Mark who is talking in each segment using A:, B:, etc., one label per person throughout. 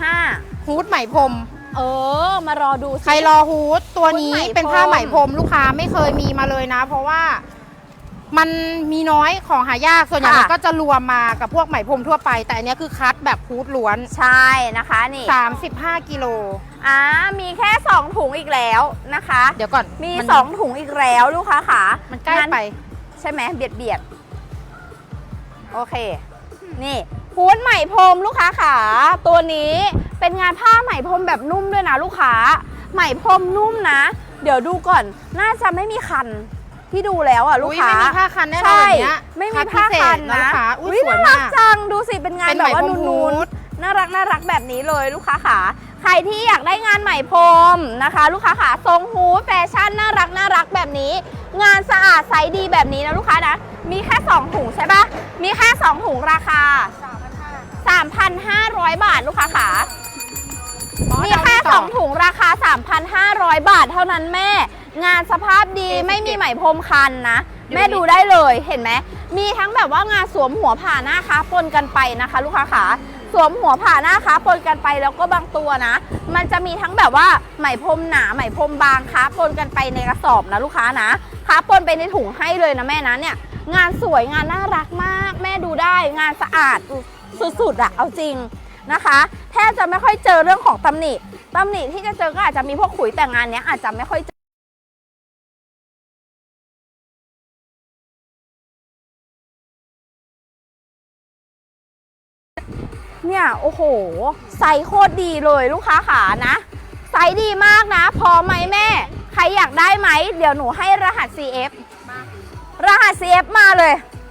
A: 35ฮูดไหมพรม
B: มารอดู
A: ใครรอฮูดตัวนี้เป็นผ้าไหมพรมลูกค้าไม่เคยมีมาเลยนะเพราะว่ามันมีน้อยของหายากส่วนใหญ่มันก็จะรวมมากับพวกไหมพรมทั่วไปแต่อันนี้คือคัดแบบฮูดล้วน
B: ใช่นะคะนี่
A: 35กิโล
B: มีแค่2ถุงอีกแล้วนะคะ
A: เดี๋ยวก่อน
B: มี2ถุงอีกแล้วลูกค้าค่ะ
A: มันใกล้ไป
B: ใช่ไหมเบียดโอเคนี่ฮูดไหมพรมลูกค้าค่ะตัวนี้เป็นงานผ้าไหมพรมแบบนุ่มด้วยนะลูกค้าไหมพรมนุ่มนะเดี๋ยวดูก่อนน่าจะไม่มีคันที่ดูแล้วลูกค้า
A: ไม่มีผ้าคันแน่นอนแบบนี้
B: ไม่มีผ้าคันนะ
A: สวยมาก
B: จังดูสิเป็นงานแบบว่านูนๆน่ารักแบบนี้เลยลูกค้าค่ะใครที่อยากได้งานไหมพรมนะคะลูกค้าค่ะทรงฮูดแฟชั่นน่ารักแบบนี้งานสะอาดไซส์ดีแบบนี้นะลูกค้านะมีแค่2ถุงใช่ปะมีแค่2ถุงราคา 3,500 บาทลูกค้าค่ะมีแค่2ถุงราคา 3,500 บาทเท่านั้นแม่งานสภาพดีไม่มีไหมพรมคันนะแม่ดูได้เลยเห็นไหมมีทั้งแบบว่างานสวมหัวผ่าหน้าค้าปนกันไปนะคะลูกค้าขาสวมหัวผ่าหน้าค้าปนกันไปแล้วก็บางตัวนะมันจะมีทั้งแบบว่าไหมพรมหนาไหมพรมบางค้าปนกันไปในกระสอบนะลูกค้านะค้าปนไปในถุงให้เลยนะแม่นะเนี่ยงานสวยงานน่ารักมากแม่ดูได้งานสะอาดสุดๆเอาจริงนะคะแทบจะไม่ค่อยเจอเรื่องของตำหนิที่จะเจอก็อาจจะมีพวกขุยแต่งานเนี้ยอาจจะไม่ค่อยเจอเนี่ยโอ้โหไซส์โคตรดีเลยลูกค้าขานะไซส์ดีมากนะพอไหมแม่ใครอยากได้ไหมเดี๋ยวหนูให้รหัส CF รหัส CF มาเลย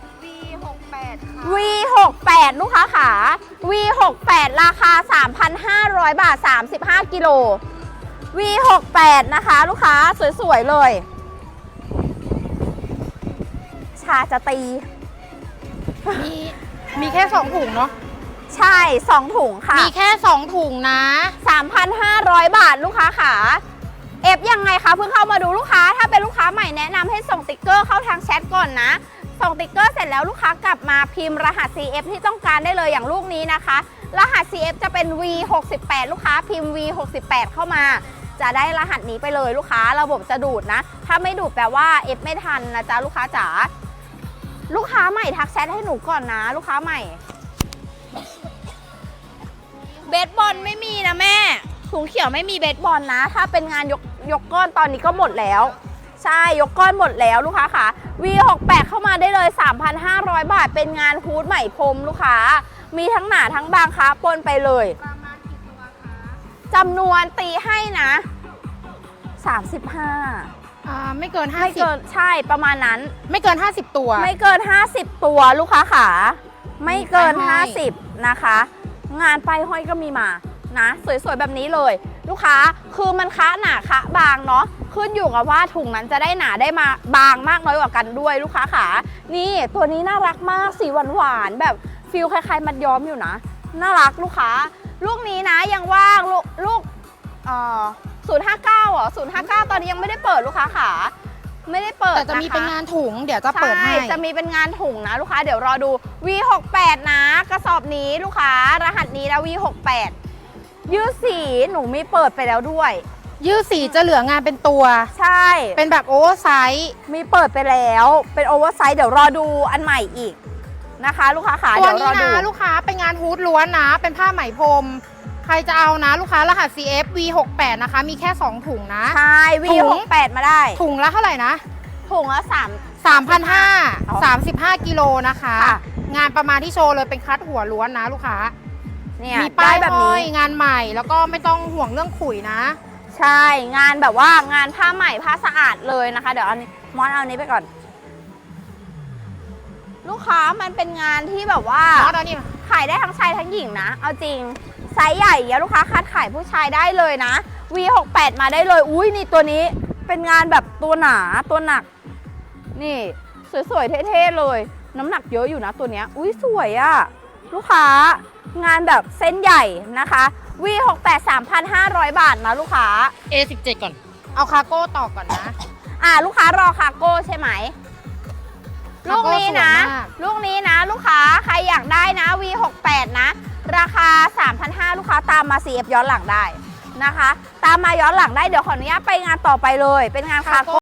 B: V68 ลูกค้าขา V68 ราคา 3,500 บาท35กิโล V68 นะคะลูกค้าสวยๆเลยชาจะตี
A: มีแค่2ถุงเนาะ
B: ใช่2ถุงค่ะ
A: มีแค่2ถุงนะ
B: 3,500 บาทลูกค้าขาเอฟยังไงคะเพิ่งเข้ามาดูลูกค้าถ้าเป็นลูกค้าใหม่แนะนำให้ส่งติ๊กเกอร์เข้าทางแชทก่อนนะส่งติ๊กเกอร์เสร็จแล้วลูกค้ากลับมาพิมพ์รหัส CF ที่ต้องการได้เลยอย่างลูกนี้นะคะรหัส CF จะเป็น V68 ลูกค้าพิมพ์ V68 เข้ามาจะได้รหัสนี้ไปเลยลูกค้าระบบจะดูดนะถ้าไม่ดูดแปลว่า F ไม่ทันนะจ๊ะลูกค้าจ๋าลูกค้าใหม่ทักแชทให้หนูก่อนนะลูกค้าใหม่เบสบอลไม่มีนะแม่ถุงเขียวไม่มีเบสบอลนะถ้าเป็นงานยกก้อนตอนนี้ก็หมดแล้วใช่ยกก้อนหมดแล้วลูกค้าค่ะ V68 เข้ามาได้เลย 3,500 บาทเป็นงานฮูดไหมพรมลูกค้ามีทั้งหนาทั้งบางค้าปนไปเลยประมาณกี่ตัวคะจำนวนตีให้นะ35
A: ไม่เกิน50
B: ไม่เกินใช่ประมาณนั้น
A: ไม่เกิน50ตัว
B: ไม่เกิน50ตัวลูกค้าค่ะไม่เกิน50นะคะงานป้ายห้อยก็มีมานะสวยๆแบบนี้เลยลูกค้าคือมันค้าหนาค้าบางเนาะขึ้นอยู่กับว่าถุงนั้นจะได้หนาได้มาบางมากน้อยกว่ากันด้วยลูกค้าขานี่ตัวนี้น่ารักมากสีหวานๆแบบฟิลคล้ายๆมัดย้อมอยู่นะน่ารักลูกค้าลูกนี้นะยังว่างลูก059เหรอ059ตอนนี้ยังไม่ได้เปิดลูกค้าขาไม่ได้เปิด
A: แต่จะมีเป็นงานถุงเดี๋ยวจะเปิดให้
B: จะมีเป็นงานถุงนะลูกค้าเดี๋ยวรอดู V68 นะกระสอบนี้ลูกค้ารหัสนี้นะ V68 ยืดสีหนูมีเปิดไปแล้วด้วย
A: ยืดสีจะเหลืองานเป็นตัว
B: ใช่
A: เป็นแบบโอเวอร์ไซส์
B: มีเปิดไปแล้วเป็นโอเวอร์ไซส์เดี๋ยวรอดูอันใหม่อีกนะคะลูกค้าขา
A: เดี๋ยวรอดูลูกค้าเป็นงานฮูดล้วนนะเป็นผ้าไหมพรมใครจะเอานะลูกค้ารหัส CF V68 นะคะมีแค่2ถุงนะ
B: ใช่ V68 มาได้
A: ถุงละเท่าไหร่นะ
B: ถุงละ
A: 3,500 35กิโลนะคะงานประมาณที่โชว์เลยเป็นคัดหัวล้วนนะลูกค้า
B: เนี่ย
A: มีป้ายแบบนี้งานใหม่แล้วก็ไม่ต้องห่วงเรื่องขุยนะ
B: ใช่งานแบบว่างานผ้าใหม่ผ้าสะอาดเลยนะคะเดี๋ยวเอามอนเอานี้ไปก่อนลูกค้ามันเป็นงานที่แบบว่าขายได้ทั้งชายทั้งหญิงนะเอาจริงไซส์ใหญ่อย่าลูกค้าคัดขายผู้ชายได้เลยนะ V68 มาได้เลยอุ้ยนี่ตัวนี้เป็นงานแบบตัวหนาตัวหนักนี่สวยๆเท่ๆเลยน้ำหนักเยอะอยู่นะตัวเนี้ยอุ้ยสวยอะลูกค้างานแบบเส้นใหญ่นะคะ V68 3,500 บาทนะลูกค้า
A: A17 ก่อนเอาคาร์โก้ต่อก่อนนะ
B: ลูกค้ารอคาร์โก้ใช่ไหมลูกนี้นะลูกค้าใครอยากได้นะ V68 นะราคา 3,500 ลูกค้าตามมา CF ย้อนหลังได้นะคะ ตามมาย้อนหลังได้เดี๋ยวขออนุญาตไปงานต่อไปเลยเป็นงานคาร์โก้